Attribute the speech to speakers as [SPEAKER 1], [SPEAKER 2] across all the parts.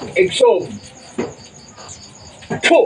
[SPEAKER 1] Exo. Puh!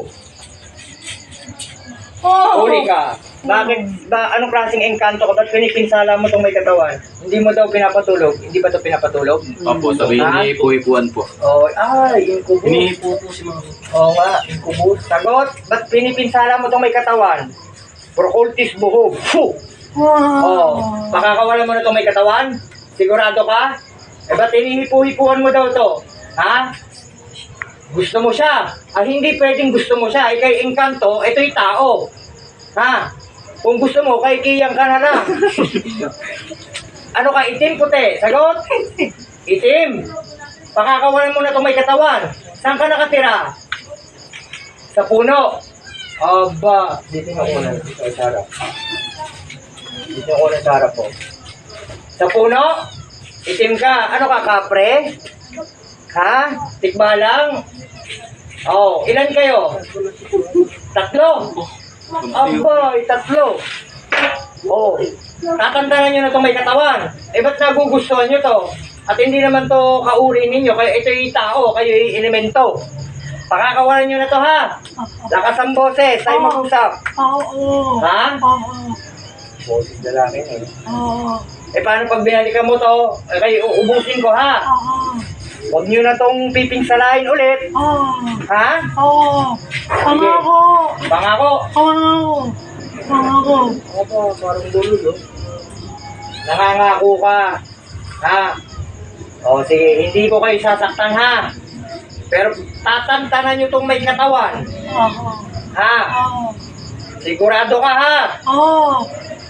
[SPEAKER 1] Uli ka. Bakit ba, anong klaseng engkanto ka? Ba't pinipinsala mo itong may katawan? Hindi mo daw pinapatulog? Hindi ba ito pinapatulog?
[SPEAKER 2] Opo, sabi inihipo-hipuan po.
[SPEAKER 1] Oh, incubus.
[SPEAKER 2] Inihipo po si mga...
[SPEAKER 1] Oo nga, incubus. Sagot, ba't pinipinsala mo itong may katawan? Procultis buhog. Puh! Oh, pakakawalan mo na itong may katawan? Sigurado ka? Eh, ba't inihipo-hipuan mo daw ito? Ha? Gusto mo siya? Hindi pwedeng gusto mo siya. Kay engkanto, ito'y tao. Ha? Kung gusto mo, kay kiyang ka na lang. Ano ka, itim, puti? Sagot? Itim. Pakakawalan mo na itong may katawan. Saan ka nakatira? Sa puno. Aba. Dito yung ako na. Sarap. Dito yung ako na sarap po. Sa puno? Itim ka. Ano ka, kapre? Ha? Tikbalang? Oh, ilan kayo? Tatlo. Aba, tatlo. Oh, tatantanan nyo na itong may katawan. Eh, ba't nagugustuhan nyo to? At hindi naman to kauri ninyo. Kaya ito yung tao, kayo yung elemento. Pakakawalan nyo na to, ha? Lakas ang boses, tayo mag-usap.
[SPEAKER 3] Oo.
[SPEAKER 1] Ha?
[SPEAKER 3] Oo.
[SPEAKER 1] Boses lalaki eh.
[SPEAKER 3] Oo.
[SPEAKER 1] Eh, paano pag binalikan mo to? Eh, kayo uubusin ko, ha?
[SPEAKER 3] Oo.
[SPEAKER 1] Huwag nyo na tong pipinsalain ulit.
[SPEAKER 3] Oo.
[SPEAKER 1] Ha?
[SPEAKER 3] Oo. Pangako.
[SPEAKER 1] Pangako.
[SPEAKER 3] Pangako. Pangako.
[SPEAKER 1] Opo, parang bulol, oh. Nangangako ka. Ha? O, sige, hindi ko kayo sasaktan, ha? Pero tatantanan nyo tong may katawan.
[SPEAKER 3] Oo.
[SPEAKER 1] Ha?
[SPEAKER 3] Oo.
[SPEAKER 1] Sigurado ka, ha?
[SPEAKER 3] Oo.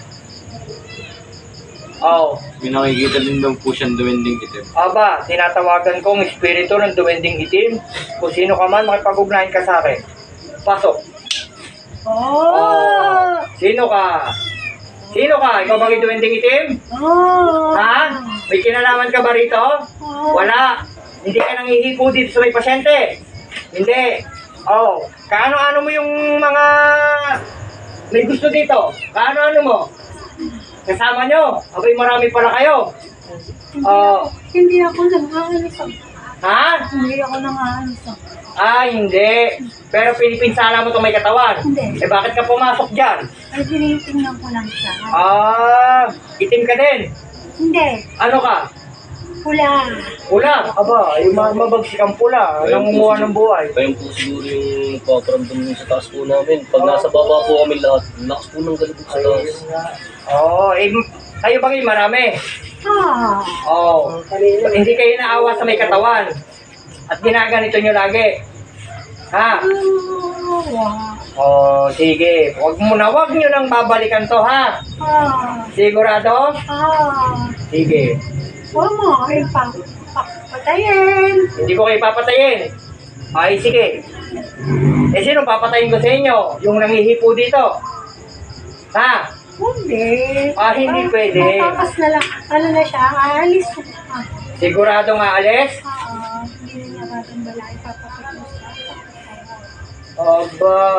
[SPEAKER 1] Oo.
[SPEAKER 2] May nakikita din daw po siyang duwending itim.
[SPEAKER 1] Aba, tinatawagan kong espiritu ng duwending itim. Kung sino ka man, makipag-ugnayan ka sa akin. Pasok.
[SPEAKER 3] Oo.
[SPEAKER 1] Sino ka? Sino ka? Ikaw bang yung duwending itim?
[SPEAKER 3] Oo.
[SPEAKER 1] Ha? May kinalaman ka ba rito?
[SPEAKER 3] Oo.
[SPEAKER 1] Wala. Hindi ka nangihipo dito sa may pasyente. Hindi. Oh, kaano-ano mo yung mga may gusto dito? Kaano-ano mo? Kasama nyo? Abay, marami pala kayo.
[SPEAKER 3] Hindi ako nang-aalis.
[SPEAKER 1] Ha?
[SPEAKER 3] Hindi ako nang-aalis.
[SPEAKER 1] Hindi. Pero pinipinsala mo itong may katawan.
[SPEAKER 3] Hindi.
[SPEAKER 1] Eh, bakit ka pumasok dyan?
[SPEAKER 3] Ay, tinitingnan ko lang siya.
[SPEAKER 1] Itim ka din.
[SPEAKER 3] Hindi.
[SPEAKER 1] Ano ka?
[SPEAKER 3] Pula.
[SPEAKER 1] Pula. Aba, yung mabagsik ang pula. Nangunguha ng buhay.
[SPEAKER 2] Kaya po siguro yung paparamdam sa taas po namin. Pag nasa baba po kami lahat, lakas po ng galibot sa taas.
[SPEAKER 1] Kayo bang yung marami? Hindi kayo naawa sa may katawan. At ginaganito nyo lagi. Ha? Sige. Huwag nyo nang babalikan to, ha? Sigurado? Sige.
[SPEAKER 3] Huwag mo kayo papatayin.
[SPEAKER 1] Hindi ko kayo papatayin. Ay, sige. Eh, sino papatayin ko sa inyo? Yung nangihipo dito? Ha?
[SPEAKER 3] Hindi.
[SPEAKER 1] Hindi pwede.
[SPEAKER 3] Matakas na lang. Ano na siya? Aalis.
[SPEAKER 1] Sigurado nga alis?
[SPEAKER 3] Hindi na niya matambala. Ipapapit mo siya.
[SPEAKER 1] Aba.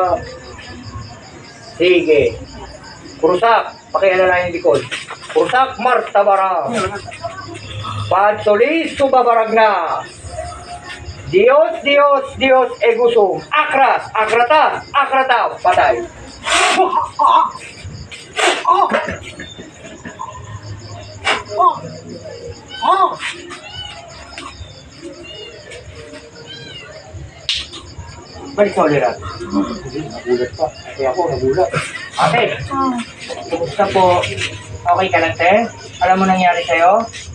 [SPEAKER 1] Sige. Krusak. Pakialala yung likod. Krusak Martabara. Padsolis subabarag na. Dios, Dios, Dios egusum. Akras, akrata, akrata. Patay. Balik sa ulirat. Nagulat pa. Kasi ako nagulat. Ate, kumusta po? Okay ka lang, te? Alam mo nangyari sa'yo?